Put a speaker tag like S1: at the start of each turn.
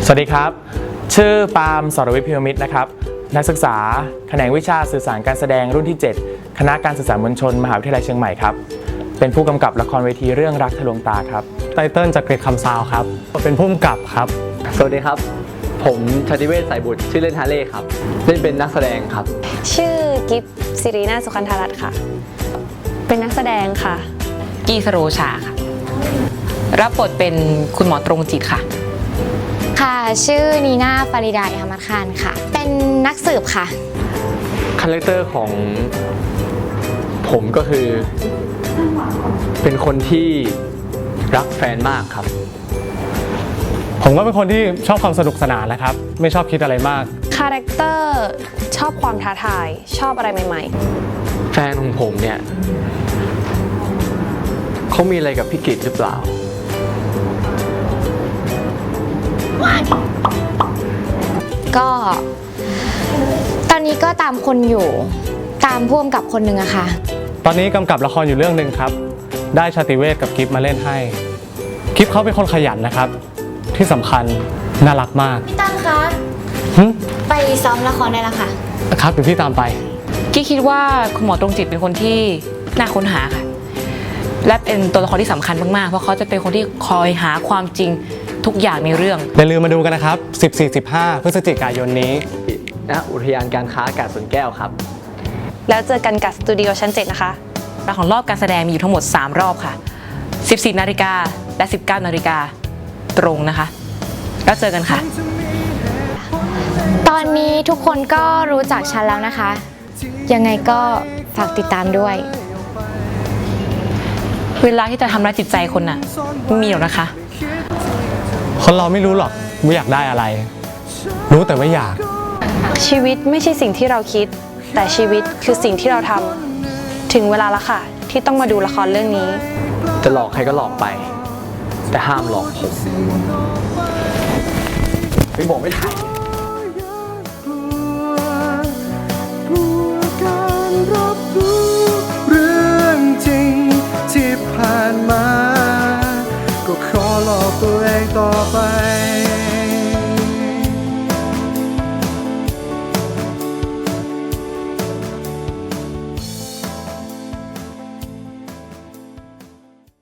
S1: สวัสดีครับชื่อปาล์มสรวิทย์พิมมิตรนะครับนักศึกษาแขนงวิชาสื่อสารการแสดงรุ่นที่ 7 คณะการสื่อสารมวลชนมหาวิทยาลัยเชียงใหม่ครับเป็นผู้กำกับละครเวทีเรื่องรักทะลวงตาครับ
S2: ไตเติ้ลจากเกรดคำซาวครับเป็นผู้กำกับครับ
S3: สวัสดีครับผมชติเวชสายบุตรชื่อเล่นฮาเล่ครับเล่นเป็นนักแสดงครับ
S4: ชื่อกิฟสิรินาสุขันธรัตน์ค่ะเป็นนักแสดงค่ะ
S5: กีสโรชาค่ะรับบทเป็นคุณหมอตรงจิตค่ะ
S6: ค่ะชื่อนีน่าฟาริดาอิฮามัดคานค่ะเป็นนักสืบค่ะ
S3: คาแรคเตอร์ของผมก็คือเป็นคนที่รักแฟนมากครับ
S2: ผมก็เป็นคนที่ชอบความสนุกสนานนะครับไม่ชอบคิดอะไรมาก
S4: คาแรคเตอร์ชอบความท้าทายชอบอะไรใหม่
S3: ๆแฟนของผมเนี่ยเขามีอะไรกับพี่กิตหรือเปล่า
S6: ก็ตอนนี้ก็ตามคนอยู่ตามพ่วงกับคนหนึ่งอะค่ะ
S2: ตอนนี้กำกับละครอยู่เรื่องหนึ่งครับได้ชาติเวชกับกิฟมาเล่นให้กิฟเขาเป็นคนขยันนะครับที่สำคัญน่ารักมาก
S6: ตั้งคะไปซ้อมละครได้แล้วค่ะ
S2: ครับเดี๋ยวพี่ตามไป
S5: กี้คิดว่าคุณหมอตรงจิตเป็นคนที่น่าค้นหาค่ะและเป็นตัวละครที่สำคัญมากๆเพราะเขาจะเป็นคนที่คอยหาความจริงทุกอย่างในเรื่อง
S2: อย่าลืมมาดูกันนะครับ 14-15 พฤศจิกายนนี้
S3: ณอุทยานการค้าอากาศสวนแก้วครับ
S4: แล้วเจอกันกับสตูดิโอชั้น 7นะคะ
S5: ของรอบการแสดงมีอยู่ทั้งหมด3รอบค่ะ 14 นาฬิกาและ 19 นาฬิกาตรงนะคะแล้วเจอกันค่ะ
S6: ตอนนี้ทุกคนก็รู้จักฉันแล้วนะคะยังไงก็ฝากติดตามด้วย
S5: เวลาที่จะทำร้ายจิตใจคนน่ะไม่มีหรอกนะคะ
S2: คนเราไม่รู้หรอกว่าอยากได้อะไรรู้แต่ว่าอยาก
S4: ชีวิตไม่ใช่สิ่งที่เราคิดแต่ชีวิตคือสิ่งที่เราทำถึงเวลาแล้วค่ะที่ต้องมาดูละครเรื่องนี้
S3: จะหลอกใครก็หลอกไปแต่ห้ามหลอกผมไม่บอกไม่ถ่าย
S7: เรื่องจริงที่ผ่านมา